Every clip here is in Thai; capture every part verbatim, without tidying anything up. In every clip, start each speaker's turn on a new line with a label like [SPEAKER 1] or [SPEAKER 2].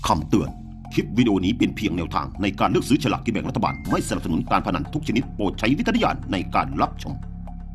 [SPEAKER 1] คำเตือน คลิปวิดีโอนี้เป็นเพียงแนวทางในการเลือกซื้อฉลากกินแบ่งรัฐบาล ไม่สนับสนุนการพนันทุกชนิดโปรดใช้วิจารณญาณในการรับชม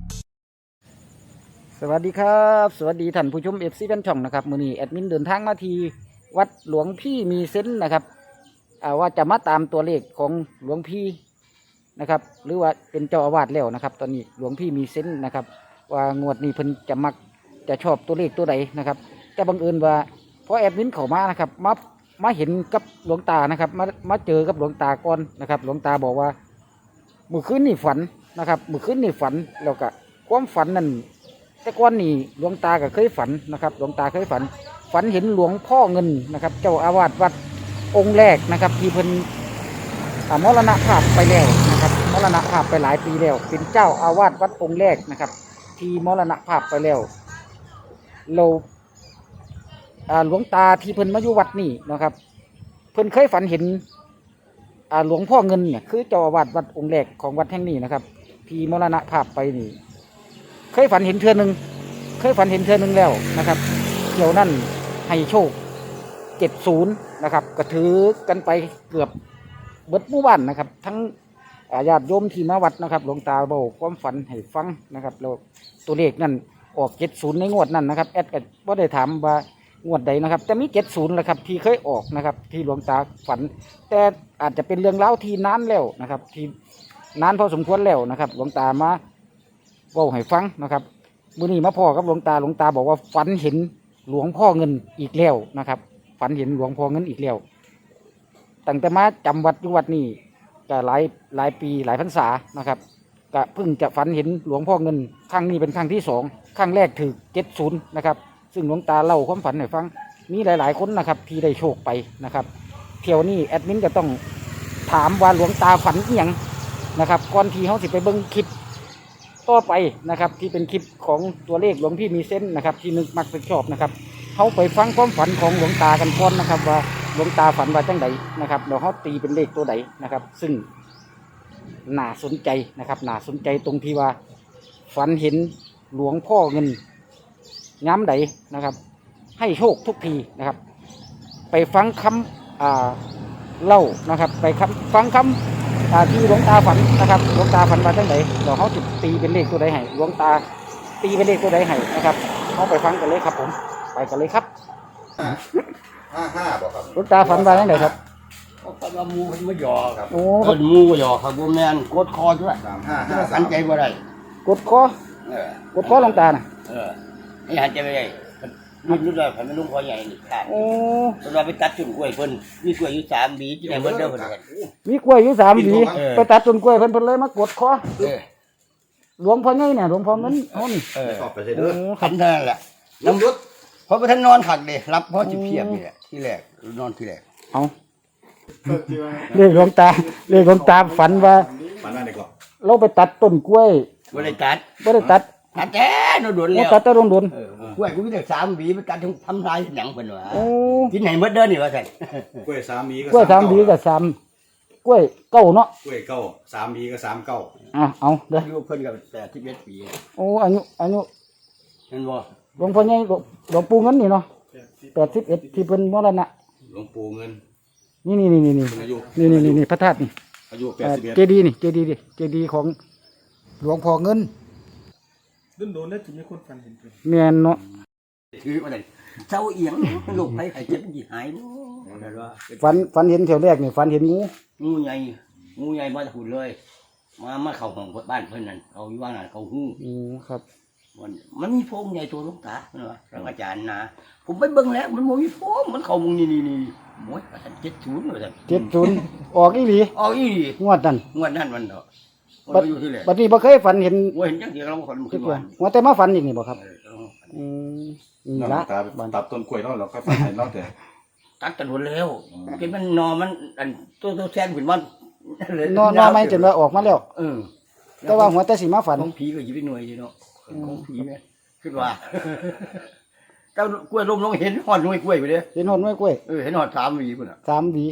[SPEAKER 2] สวัสดีครับ สวัสดีท่านผู้ชมเอฟซีแฟนช่องนะครับมื้อนี้แอดมินเดินทางมาที่วัดหลวงพี่มีเซนส์นะครับว่าจะมาตามตัวเลขของหลวงพี่นะครับหรือว่าเป็นเจ้าอาวาสแล้วนะครับตอนนี้หลวงพี่มีเซนส์นะครับว่างวดนี้เพิ่นจะมักจะชอบตัวเลขตัวใดนะครับแต่บังเอิญว่าพอแอดมินเข้ามานะครับมามาเห็นกับหลวงตานะครับมามาเจอกับหลวงตาก่อนนะครับหลวงตาบอกว่าเมื่อคืนนี่ฝันนะครับเมื่อคืนนี่ฝันแล้วก็ความฝันนั่นแต่ก่อนนี่หลวงตาก็เคยฝันนะครับหลวงตาเคยฝันฝันเห็นหลวงพ่อเงินนะครับเจ้าอาวาสวัดองค์แรกนะครับที่เพิ่นมรณภาพไปแล้วนะครับมรณภาพไปหลายปีแล้วเป็นเจ้าอาวาสวัดองค์แรกนะครับที่มรณภาพไปแล้วเราหลวงตาที่เพิ่นมาอยู่วัดนี่นะครับเพิ่นเคยฝันเห็นหลวงพ่อเงินเนี่ยคือเจ้าอาวาสวัดองค์แรกของวัดแห่งนี้นะครับที่มรณภาพไปนี่เคยฝันเห็นเทื่อนึงเคยฝันเห็นเทื่อนึงแล้วนะครับเที่ยวนั่นให้โชคเจ็ดศูนย์นะครับก็ถือกันไปเกือบเบิดหมู่บ้านนะครับทั้งญาติโยมที่มาวัดนะครับหลวงตาบอกความฝันให้ฟังนะครับแล้วตัวเลขนั่นออกเจ็ดศูนย์ในงวดนั่นนะครับแอดก็บ่ได้ถามว่างวดใดนะครับแต่มีเจ็ดศูนย์แหละครับที่เคยออกนะครับที่หลวงตาฝันแต่อาจจะเป็นเรื่องเล่าที่นานแล้วนะครับที่นานพอสมควรแล้วนะครับหลวงตามาเว้าให้ฟังนะครับมื้อนี้มาพ่อกับหลวงตาหลวงตาบอกว่าฝันเห็นหลวงพ่อเงินอีกแล้วนะครับฝันเห็นหลวงพ่อเงินอีกแล้วตั้งแต่มาจำวัดอยู่วัดนี่ก็หลายหลายปีหลายพรรษานะครับก็เพิ่งจะฝันเห็นหลวงพ่อเงินครั้งนี้เป็นครั้งที่สองครั้งแรกถือเจ็ดศูนย์นะครับซึ่งหลวงตาเล่าความฝันให้ฟังมีหลายๆคนนะครับที่ได้โชคไปนะครับเที่ยวนี้แอดมินจะต้องถามว่าหลวงตาฝันอีหยังนะครับก่อนที่เขาสิไปเบิ่งคลิปต่อไปนะครับที่เป็นคลิปของตัวเลขหลวงพี่มีเส้นนะครับที่นึกมักเป็นชอบนะครับเขาไปฟังความฝันของหลวงตากันก่อนนะครับว่าหลวงตาฝันว่าจังใดนะครับเดี๋ยวเขาตีเป็นเลขตัวใดนะครับซึ่งน่าสนใจนะครับน่าสนใจตรงที่ว่าฝันเห็นหลวงพ่อเงินย้ำใดนะครับให้โชคทุกทีนะครับไปฟังคำอ่าเล่านะครับไปคำฟังคำที่หลวงตาฝันนะครับหลวงตาฝันว่าจังใดเดี๋ยวเขาจะตีเป็นเลขตัวใดให้หลวงตาตีเป็นเลขตัวใดให้นะครับเขาไปฟังกันเลยครับผมไปกันเลยครับ
[SPEAKER 3] ห้าห้าบอกครับ
[SPEAKER 2] หลวงตาฝันว่าจังใดครับ
[SPEAKER 4] เขาก็มามูมันมาหยอครับ
[SPEAKER 2] โอ้
[SPEAKER 4] เอิ้นมูหยอครับบ่แม่นกดคอด้วย
[SPEAKER 3] สามห้าห้า
[SPEAKER 4] หั
[SPEAKER 3] สาน ม
[SPEAKER 4] ใจบ่ได้
[SPEAKER 2] กดคอ
[SPEAKER 4] เออก
[SPEAKER 2] ดคอหลวงตาน่ะ
[SPEAKER 4] เออให้หันใจบ่ได้มันรู้ได้คันมันลุงคอใหญ่นี่ขาด
[SPEAKER 2] โอ้
[SPEAKER 4] เพิ่นว่าไปตัดต้นกล้วยเพิ่นมีกล้วยอยู่สามหวีที่ไหนเบิดเด้อเพิ่นว่า
[SPEAKER 2] มีกล้วยอยู่สามหวี
[SPEAKER 4] เออ
[SPEAKER 2] ไปตัดต้นกล้วยเพิ่นเพิ่นเลยมากดคอ
[SPEAKER 4] เออ
[SPEAKER 2] หลวงพ่อใหญ่เนี่ยหลวงพ่อเงินเขานี่
[SPEAKER 4] เออ
[SPEAKER 3] ตอบไปเลย
[SPEAKER 2] โอ้
[SPEAKER 3] เด้อ
[SPEAKER 2] ครั
[SPEAKER 4] คั
[SPEAKER 2] บ
[SPEAKER 4] นเท่านั้นแหละน้ำรุดเพราะว่าท่านนอนขักเด้รับเพราะสิเพียบนี่แหละที่แรกนอนที่แรก
[SPEAKER 2] เอาเรียกหลวงตาเรียกหลวงตาฝันว่า
[SPEAKER 3] ฝันว่าไหนก่อน
[SPEAKER 2] เราไปตัดต้นกล้วย
[SPEAKER 4] บ่ได้ตัด
[SPEAKER 2] ไม่ได้ตัด
[SPEAKER 4] ตัดแต่โดนๆ
[SPEAKER 2] เรา
[SPEAKER 4] แล้ว
[SPEAKER 2] ตัดแต่โดน
[SPEAKER 4] เออกล้วยกูมีแต่สามหวีไปตัดถึงทำลายหยังเพิ่นว่า
[SPEAKER 2] ๆโอ้
[SPEAKER 4] ที่ไหนเบิดเด้อนี่ว่าซั่น
[SPEAKER 3] กล้วยสามมี
[SPEAKER 2] กล้วยสามหวีกับสามกล้วยเก้าเนาะ
[SPEAKER 3] กล้วยเก้าสามมีก็สามเก้า
[SPEAKER 2] อ่ะเอาเด้อ
[SPEAKER 4] อายุเพิ่นก็แปดสิบเอ็ดปี
[SPEAKER 2] โอ้อายุอายุ
[SPEAKER 4] เห็นบ่
[SPEAKER 2] หลวงพ่อใหญ่หลวงหลวงปู่เงินนี่เนาะแปดสิบเอ็ดที่เพิ่นมรณะ
[SPEAKER 3] หลวงปู่เงิน
[SPEAKER 2] นี่นี่นี่นี่นี่
[SPEAKER 3] อายุ
[SPEAKER 2] นี่นี่นี่นี่พระธาตุนี่
[SPEAKER 3] อายุแปด
[SPEAKER 2] เอ่อ
[SPEAKER 3] สิบเอ็ด
[SPEAKER 2] เจดีย์นี่เจดีย์ดิเจดีย์ของหลวงพ่อเงิน
[SPEAKER 5] โดนโดนๆแล้วจะมีคนฟันเห็นเพิ่น
[SPEAKER 2] แม่นเนาะ
[SPEAKER 4] คือว่าได้เจ้าเอียงลูกไปไข่เจ็บสิหายบ่นั่นว่า
[SPEAKER 2] ฝันฝันเห็นแถวแรกนี่ฝันเห็นงู
[SPEAKER 4] งูใหญ่งูใหญ่มาจากหุ่นเลย มามาเข้าห้องบ้านเพิ่นนั่นเอาอยู่ว่างนั่นเขาฮู้
[SPEAKER 2] อืมครับ
[SPEAKER 4] มันมันมีโพรงใหญ่ตัวหลวงตาเพิ่นว่าพระอาจารย์นะผมไปเบิ่งแล้วมันบ่มีโพรงมันเข้ามุงนี่นี่นี่โอ้ยว่าซั่นเจ็ดศูนย์ว่าซั่น
[SPEAKER 2] เจ็ดศูนย์ออกอีหลี
[SPEAKER 4] เอาอีหลี
[SPEAKER 2] งวดนั่น
[SPEAKER 4] งวดนั้นมันเนาะมัน
[SPEAKER 2] บัด
[SPEAKER 4] อยู่ที่แหละ
[SPEAKER 2] บัดนี้บ่เคยฝันเห็น
[SPEAKER 4] โอ้ยเห็นจังซี่เราคนมัน
[SPEAKER 2] คิ
[SPEAKER 4] ขึ้
[SPEAKER 2] ด
[SPEAKER 4] น
[SPEAKER 2] ว่า
[SPEAKER 4] มา
[SPEAKER 2] ว่าแต่มาฝันอีกนี่บ่ครับ
[SPEAKER 4] เออเอา
[SPEAKER 2] อืมนี่
[SPEAKER 3] น้
[SPEAKER 2] ละ
[SPEAKER 3] ตาตัดต้นกล้วยแล้วเราก็ฝันเห็นเราแต่
[SPEAKER 4] ตัดกันหมดแล้วกินมันนอมันอันตัวตัวแซนขึ้นมัน
[SPEAKER 2] นอนนอนไม่จนว่าออกมาแล้ว
[SPEAKER 4] เออ
[SPEAKER 2] แต่ว่าหัวแต่สิมาฝัน
[SPEAKER 4] ของผีก็อยิบไปหน่วยอยู่เนาะของผีไหมคิดว่าเจ้ากล้วยลมลงเห็นหอดหน่วยกล้วยไปเลย
[SPEAKER 2] เห็นหนไม้กล้วย
[SPEAKER 4] เออเห็นหอดสามหวีพุ่นอ่ะ
[SPEAKER 2] สามหวี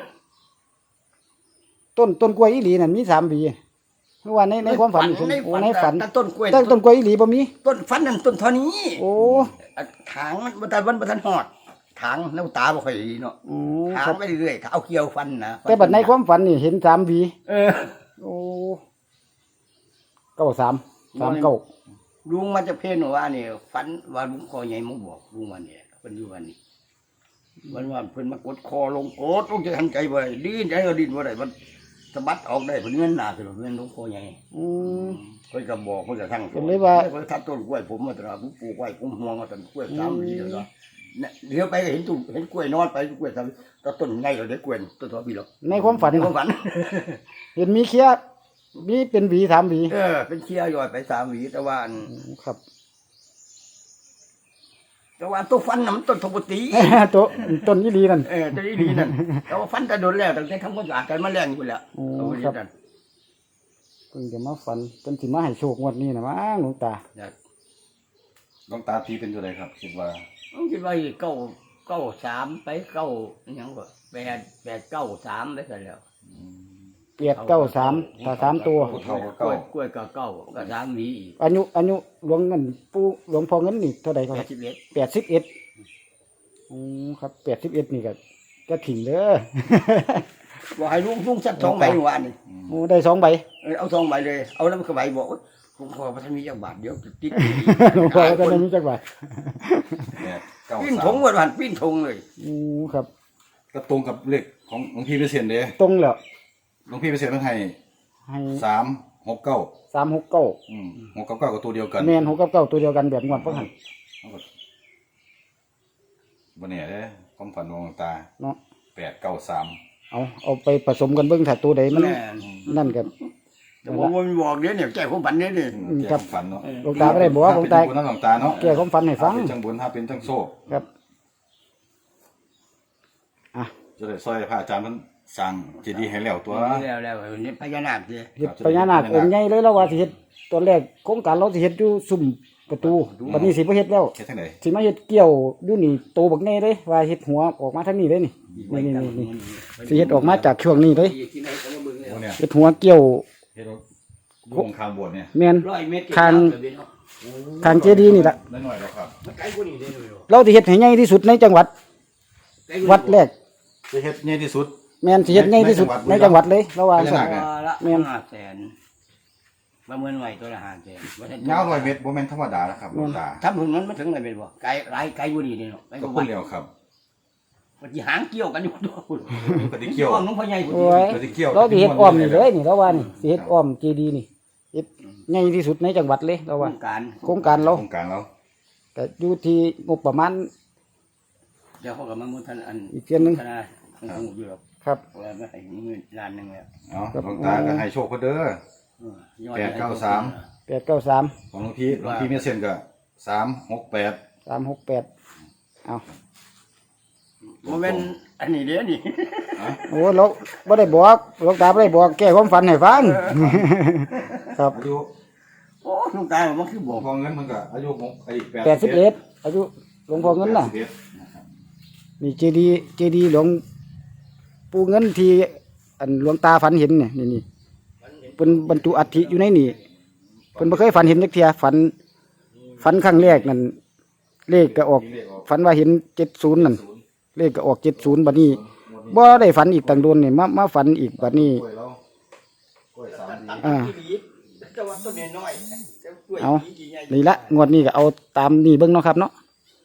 [SPEAKER 2] ต้นต้นกล้วยอีหลีนั่นมีสามหวีเมื่อวานในในความฝันนี่
[SPEAKER 4] ใน
[SPEAKER 2] โอ้
[SPEAKER 4] ฝัน
[SPEAKER 2] ในฝัน
[SPEAKER 4] แต่ต้นกล้วย
[SPEAKER 2] แต่ต้นกล้วยอีหลีบ่มี
[SPEAKER 4] ต้นฝันนั่นต้นเท่านี้
[SPEAKER 2] โอ้
[SPEAKER 4] อ่ะถางมันบันทันวันบันทันหอดทางน้ำตาบ่ค่อยดีเนาะ
[SPEAKER 2] อ๋อ
[SPEAKER 4] ทา
[SPEAKER 2] ครั
[SPEAKER 4] ง
[SPEAKER 2] บ
[SPEAKER 4] ไปเรื่อยๆเอาเกี่ยวฟันนะ
[SPEAKER 2] แต่บัดในความฝันนี่เห็นสามหวี
[SPEAKER 4] เออ
[SPEAKER 2] โอ้เก้าสามสามเก้า
[SPEAKER 4] ลุงมันจะเพ่นว่านี่ฝันว่าลุงคอใหญ่มาบอกลุงวันนี้เพิ่นอยู่วันนี้วันว่าเพิ่นมากดคอลงกดลุงจะทันใจบ่ได้ดิ้นใจก็ดิ้นบ่ได้มันสะบัดออกได้เพิ่นเงินหน้าคือเพิ่นลุงคอใหญ่
[SPEAKER 2] อืม
[SPEAKER 4] เพิ่นก็บอกเพิ่นก็ทั้ง
[SPEAKER 2] เห็นเลยว่า
[SPEAKER 4] เพิ่นทับต้นกล้วยผมมาตราผมปลูกไว้ผมห่วงมาต้นกล้วยสามปีแล้วเนาะเนี่ยเดี๋ยวไปก็เห็นต้นเห็นกล้วยนอนไปกล้วยสามก็ต้นใหญ่แล้วเด็กกล้วยต้นตัวพี่หรอก
[SPEAKER 2] ในความฝัน
[SPEAKER 4] ในความฝัน
[SPEAKER 2] เห็นมีเคียมีเป็นหวีสามหวี
[SPEAKER 4] เออเป็นเชียร์ยอดไปสามหวีแต่ว่าอัน
[SPEAKER 2] ครับ
[SPEAKER 4] แต่ว่าตัวฟันน่ะมันต้นทบตี
[SPEAKER 2] ตัวต้นยี่ลีนั่น
[SPEAKER 4] เออตัวนี้ดีนั่นแต่ว่าฟันจะโดนแล้วตั้งแต่ทำความสะอาดกันมาแรงอยู่แล้ว
[SPEAKER 2] โอ้
[SPEAKER 4] เอาไว้
[SPEAKER 2] ครับ
[SPEAKER 4] นั่น
[SPEAKER 2] เพิ่งจะมาฝันจนสิมาให้โชคงวดนี้นะมั้งหลวงตา
[SPEAKER 4] เนี่ย
[SPEAKER 3] หลวงตาตีเป็นตัวใดครับ คิดว่า
[SPEAKER 4] ผมคิดว่าเก้าเก้าสามไปเก้าอหยังก็แปดแปดเก้าสามไปกันแล้ว
[SPEAKER 2] เปียดเก้าสามตาสามตัว
[SPEAKER 3] ผู้เฒ่าก็
[SPEAKER 4] กล้
[SPEAKER 3] เก้า
[SPEAKER 4] วยกล้วยก็เก้าก็สามหวีอีก
[SPEAKER 2] อายุอายุหลวงเงินปู่หลวงพ่อเงินนี่เท่าไหร่ค
[SPEAKER 4] แป
[SPEAKER 2] รั
[SPEAKER 4] ด
[SPEAKER 2] บ
[SPEAKER 4] สิบเอ็ด
[SPEAKER 2] แปดสิบเอ็ดอืมครับแปดสิบเอ็ดนี่ก็ก็ถิ่งเด้อ
[SPEAKER 4] บอกให้ลุงลุงสักสองใบเมื่อวานนี่
[SPEAKER 2] โอ้ได้สองใบ
[SPEAKER 4] เออเอาสองใบเลยเอาแล้วมันก็ใบบอกว่าลุงพอพระท่านมีจักบาทเดี๋ยวติด
[SPEAKER 2] หลวงพ่อก็ได้มีจักบาท
[SPEAKER 3] แปดเก้า
[SPEAKER 4] ปิ้น
[SPEAKER 3] สา
[SPEAKER 4] ถง
[SPEAKER 3] ม
[SPEAKER 4] วันวันปิ้นถงเลย
[SPEAKER 2] อืมครับ
[SPEAKER 3] ก็ตรงกับเลขของหลวงพี่เปอร์เซ็นต์เด้
[SPEAKER 2] ตรงแล้ว
[SPEAKER 3] หลวงพี่เปอร์เซ็นต์เพิ่นให้
[SPEAKER 2] ให้
[SPEAKER 3] สามหกเก้า
[SPEAKER 2] สามหกเก้า
[SPEAKER 3] อืมหกเก้าเก้าก็ตัวเดียวกัน
[SPEAKER 2] แมนหกกับเก้าตัวเดียวกันแบบงวดเพิ่งหัน
[SPEAKER 3] บ่แน่เด้ความฝันของหลวงตา
[SPEAKER 2] เนาะ
[SPEAKER 3] แปดเก้าสาม
[SPEAKER 2] เอาเอาไปผสมกันเบิ่งถ้าตัวใดมัน
[SPEAKER 4] แม่น
[SPEAKER 2] นั่นกัน
[SPEAKER 4] แต่ว่ามันบอกเดี๋ยวเนี่ยแก้ความฝันเนี่ยนี่
[SPEAKER 2] อืม
[SPEAKER 3] แก้
[SPEAKER 2] ครับ
[SPEAKER 3] ความฝันเนาะ
[SPEAKER 2] หลวงตาไม่ได้บอกว่าหลวงตา
[SPEAKER 3] ถ้เป็นบุญนะหลวงตาเนาะ
[SPEAKER 2] แก้ความฝันให้ฟัง
[SPEAKER 3] ถ้าเป็นทั้งบุญถ้าเป็นทั้งโซ่
[SPEAKER 2] ครับอ่ะ
[SPEAKER 3] จะได้ซอยพระอาจารย์มันสร้างเจดีย์ให้แล้วตัว
[SPEAKER 4] แล้วแล้วนี่พญานาคสิ
[SPEAKER 2] เฮ็ดพญานาคองค์ใหญ่เลยแล้วว่าสิเฮ็ดตอนแรกโครงการเราสิเฮ็ดอยู่ซุ่มประตูบัดนี้สิบ่เฮ็ดแล้ว
[SPEAKER 3] เฮ็ดจังได๋
[SPEAKER 2] สิมาเฮ็ดเกี่ยวอยู่นี่โตบักใหญ่เลยว่าเฮ็ดหัวออกมาทางนี้เลยนี่นี่นี่นี่สิเฮ็ดออกมาจากช่วงนี้เลย
[SPEAKER 4] ที่ไหนก็มาเบิ่งเลย
[SPEAKER 3] โอ้เนี่ย
[SPEAKER 2] เฮ็ดหัวเกี่ยว
[SPEAKER 3] เฮ็ดวงคางบวชเนี่ย
[SPEAKER 2] แม่น
[SPEAKER 4] ร้อยเมตร
[SPEAKER 2] ทาง ทางเจดีย์นี่ล่ะ
[SPEAKER 3] น้อยๆแล้วครับ
[SPEAKER 4] มันไกลกว่านี้ได้เลย
[SPEAKER 2] เราสิเฮ็ดให้ใหญ่ที่สุดในจังหวัด วัดแรก
[SPEAKER 3] จะเฮ็ดใหญ่ที่สุด
[SPEAKER 2] แม่นสิเฮ็ดใหญ่ที่สุดในจังหวัดเลยเราว่า
[SPEAKER 3] พญานาค
[SPEAKER 4] ตัวละ
[SPEAKER 2] แม่น
[SPEAKER 4] ห้าแสนประเมินไว้ตัวละห้าแสน
[SPEAKER 3] ยาวร้อยเมตรบ่แม่นธรรมดานะครับหลวงตา
[SPEAKER 4] ทำถึงนั้นมันถึงไหนเป็นบ่ไกลหลายไกลกว่านี้เนาะไกลก
[SPEAKER 3] ก็
[SPEAKER 4] ว่า
[SPEAKER 3] พู
[SPEAKER 4] วั
[SPEAKER 3] ด
[SPEAKER 4] ด
[SPEAKER 3] แล้วครับ
[SPEAKER 4] มันสิหางเกี่ยวกันอยู่ตัวคุณ
[SPEAKER 3] ก็สิเกี่ยว
[SPEAKER 4] อ้อมน้องพ่อใหญ่พุ่น
[SPEAKER 2] โอ้ย
[SPEAKER 3] ก็สิเกี่ยว
[SPEAKER 2] เราสิเฮ็ดอ้อมนี่เลยนี่เราว่านี่สิเฮ็ดอ้อมเจดีย์นี่เฮ็ดใหญ่ที่สุดในจังหวัดเลยเรา
[SPEAKER 4] โคร
[SPEAKER 2] ว่า
[SPEAKER 4] งการ
[SPEAKER 2] โครงการเรา
[SPEAKER 3] โครงการเรา
[SPEAKER 2] ก็อยู่ที่งบประมาณ
[SPEAKER 4] เดี๋ยวเขาก็มามุทันอัน
[SPEAKER 2] อีกเทื่อนึง
[SPEAKER 4] ธนาคารอยู่หรอก
[SPEAKER 2] ครับ
[SPEAKER 4] ว่าไม่ให้เงินล้านหนึงแล้ว
[SPEAKER 3] เนาะหลวงตาก็ให้โชคเพิ่นเด้อ
[SPEAKER 4] เออยอด
[SPEAKER 3] แปดเก้าสาม
[SPEAKER 2] แปดเก้าสาม
[SPEAKER 3] ของหลวงพี่หลวงพี่มีเส้นก็สามหกแปด
[SPEAKER 2] สามหกแปดเอา
[SPEAKER 4] บ่แม่นอันนี้เด้อนี่
[SPEAKER 2] โอ้เราไม่ได้บอกหลวงตาไม่ได้บอกแก้ความฝันให้ฟัง ครับ
[SPEAKER 3] อายุ
[SPEAKER 4] โอ้ลุงตามันคือ
[SPEAKER 3] หล
[SPEAKER 4] บ
[SPEAKER 3] ว
[SPEAKER 4] อง ก
[SPEAKER 3] พ่อเงินมันก็อายุหกไอ้
[SPEAKER 2] แปดสิบเอ็ดอายุหลวงพ่อเงินน่ะ
[SPEAKER 3] แปดสิบเอ็ดนะครับ
[SPEAKER 2] นี่เจดีย์เจดีย์หลวงปู่เงินที่อันหลวงตาฝันเห็นเนี่ยนี่นี่เป็นบรรจุอัฐิอยู่ในนี่เพิ่นบ่เคยฝันเห็นจักเที่ยฝันฝันครั้งแรกนั่นเลขก็ออกฝันว่าเห็นเจ็ดศูนย์นั่นเลขก็ออกเจ็ดศูนย์บัดนี้บ่ได้ฝันอีกต่างโดนนี่มามาฝันอีกบัดนี้
[SPEAKER 3] กล้วยเรากล้วยสามดี
[SPEAKER 2] อ่า
[SPEAKER 4] แต่ว่าต้นน้อยๆแต่กล้วย
[SPEAKER 2] เอา
[SPEAKER 4] กี่ใหญ่
[SPEAKER 2] นี่ละงวดนี้ก็เอาตามนี่เบิ่งเนาะครับเนาะ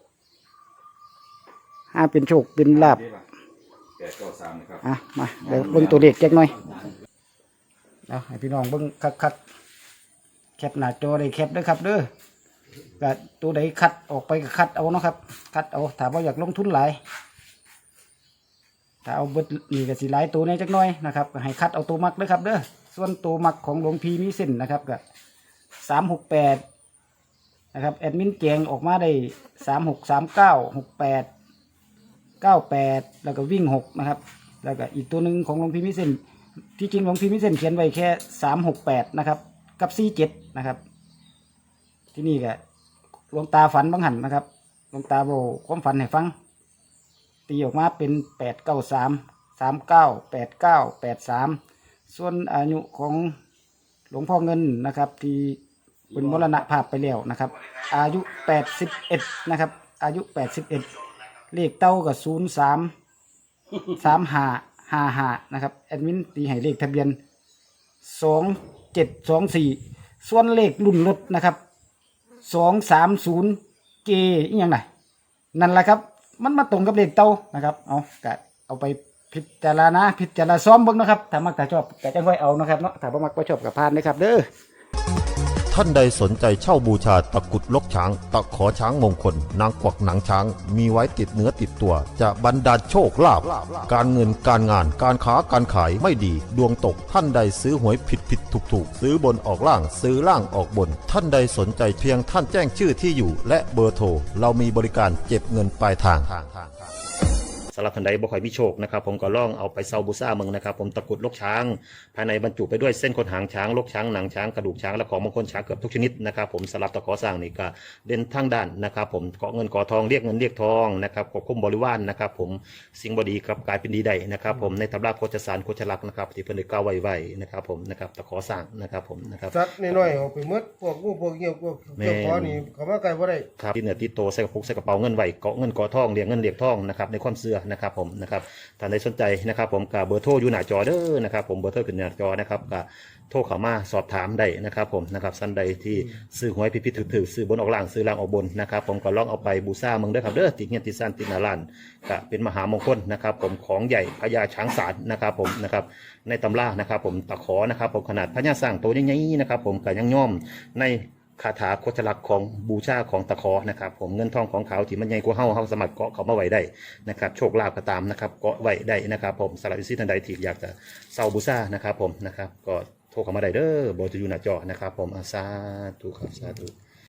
[SPEAKER 2] ห้าเป็นโชคเป็นลาบ
[SPEAKER 3] แปดเก้าสามนะครับ
[SPEAKER 2] อ่ะมาเดี๋ยวเบิ่งตัวเลขจักหน่อยเอาให้พี่น้องเบิ่งคักๆแคปหน้าจอได้แคปเด้อครับเด้อก็ตัวใดคัดออกไปก็คัดเอาเนาะครับ คัดเอาถ้าบ่อยากลงทุนหลายถ้าเอาเบิดนี่ก็สิหลายตัวแหน่จักหน่อยนะครับก็ให้คัดเอาตัวมักเด้อครับเด้อส่วนตัวมักของหลวงพี่มีเส้นนะครับก็สามหกแปดนะครับแอดมินแจงออกมาได้สามหกสามเก้าหกแปดเก้าแปดแล้วก็วิ่งหกนะครับแล้วก็อีกตัวหนึ่งของหลวงพี่มิเซนที่จริงหลวงพี่มิเซนเขียนไว้แค่สามหกแปดนะครับกับสี่เจ็ดนะครับ ที่นี่ก็หลวงตาฝันบางหันนะครับหลวงตาบอกความฝันให้ฟังตีออกมาเป็นแปดเก้าสามสามเก้าแปดเก้าแปดสามส่วนอายุของหลวงพ่อเงินนะครับที่เป็นมรณภาพไปแล้วนะครับ อายุแปดสิบเอ็ดนะครับอายุแปดสิบเอ็ดเลขเต้ากับศูนย์สามสามห้าห้าห้านะครับแอดมินตีให้เลขทะเบียนสองเจ็ดสองสี่ส่วนเลขรุ่นรถนะครับสองสามศูนย์เกอีกอย่างไรนั่นแหละครับมันมาตรงกับเลขเต้านะครับเอากะเอาไปพิจารณาพิจารณาซ้อมเบิ่งนะครับถ้ามักถ้าชอบก็จะค่อยเอานะครับเนาะถ้าบ่มักบ่ชอบก็ผ่านนะครับเด้อ
[SPEAKER 1] ท่านใดสนใจเช่าบูชาตะกรุดลกช้างตะขอช้างมงคลนางกวักหนังช้างมีไว้ติดเนื้อติดตัวจะบรรดาลโชคลาภการเงินการงานการค้าการขายไม่ดีดวงตกท่านใดซื้อหวยผิดผิดถูกถูกซื้อบนออกล่างซื้อล่างออกบน ท่านใดสนใจเพียงท่านแจ้งชื่อที่อยู่และเบอร์โทรเรามีบริการเก็บเงินปลายทางสำหรับท่านใดบ่ค่อยมีโชคนะครับผมก็ลองเอาไปเซาบูซ่าเมืองนะครับผมตะกรุดลกช้างภายในบรรจุไปด้วยเส้นขนหางช้างลกช้างหนังช้างกระดูกช้างและของมงคลช้างเกือบทุกชนิดนะครับผมสำหรับตะขอสร้างนี่ก็เด่นทั้งด้านนะครับผมเกาะเงินเกาะทองเรียกเงินเรียกทองนะครับควบคุมบริวารนะครับผมสิ่งบดีครับกลายเป็นดีได้นะครับผมในตำราโคจรสารโคจรลักษณ์นะครับที่เพิ่นได้กล่าวไว้ไว้นะครับผมนะครับตะขอสร้างนะครับผมนะครับ
[SPEAKER 5] สัตว์น้อยๆออกไปหมดพวกงูพวกเงี้ยวพวกเจ้าขอนี่เขามาไกลบ่ได้
[SPEAKER 1] ครับที่เหนือที่โตใส่กระปุกใส่กระเป๋าเงินไว้เกาะเงินเกาะทองเรียกเงินเรียกทองนะครับในความเชื่อนะครับผมนะครับท่านใดสนใจนะครับผมกับเบอร์โทรอยู่หน้าจอเด้อนะครับผมเบอร์โทรขึ้นหน้าจอนะครับกับโทรเข้ามาสอบถามได้นะครับผมนะครับท่านใดที่ซื้อหวยผิดๆถือๆซื้อบนออกล่างซื้อล่างออกบนนะครับผมก็ลองเอาไปบูชาเมืองเด้อครับเด้อติดเงี้ยติดซ่านติดหนาลานก็เป็นมหามงคลนะครับผมของใหญ่พญาช้างศาลนะครับผมนะครับในตำรานะครับผมตะขอนะครับผมขนาดพญาสร้างโตใหญ่ๆนะครับผมก็ยังย่อมในคาถาโคจรลักษณ์ของบูชาของตะขอนะครับผมเงินทองของเขาที่มันใหญ่กว่าเฮาเฮาสามารถเกาะเขามาไว้ได้นะครับโชคลาภก็ตามนะครับเกาะไว้ได้นะครับผมสำหรับอิสิทันใดที่อยากจะเซาบูชานะครับผมนะครับก็โทรเข้ามาได้เด้อเบอร์จะอยู่หน้าจอนะครับผมอาสาธุครับสาธุ